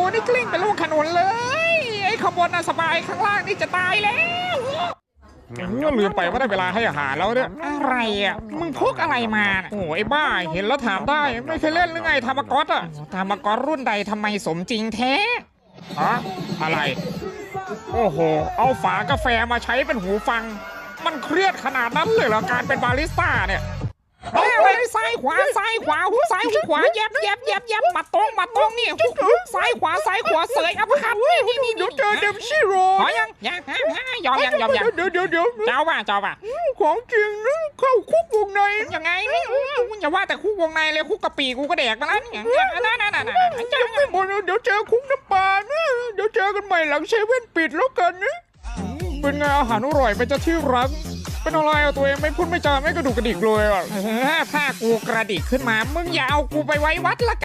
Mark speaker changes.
Speaker 1: นี่กลิ้งเป็นลูกขนุนเลยไอ้ขบวนน่ะสบายข้างล่างนี่จะตายแล้วลืมไปว่าได้เวลาให้อาหารแล้วเนี่ยอะไรอ่ะมึงพกอะไรมาโอ้ไอ้บ้าเห็นแล้วถามได้ไม่เคยเล่นหรือไงธรรมก๊อตอ่ะธรรมก๊อตรุ่นใดทำไมสมจริงแท้ฮะอะไรโอ้โหเอาฝากาแฟมาใช้เป็นหูฟังมันเครียดขนาดนั้นเลยเหรอการเป็นบาริสต้าเนี่ยอะไรซ้ายขวาซ้ายขวาหูซ้ายหูขวาแยบมาตรงนี่ซ้ายขวาเสยอัพคัทนี่เดี๋ยวเจอเดมชิโร่ยังยอมเดี๋ยวเจ้าป่ะของจริงนะเข้าคุกวงในยังไงอย่าว่าแต่คุกวงในเลยคุกกะปีกูก็แดกมาแล้วอย่างเงี้ยนั่นเดี๋ยวเจอคุกน้ำปลานะเดี๋ยวเจอกันใหม่หลังเซเว่นปิดแล้วกันนะเป็นไงอาหารอร่อยเป็นเจ้าที่รักเป็นอะไรเอาตัวเองไม่พูดไม่จาไม่กระดูกกระดิกเลยอ่ะถ้ากูกระดิกขึ้นมามึงอย่าเอากูไปไว้วัดละ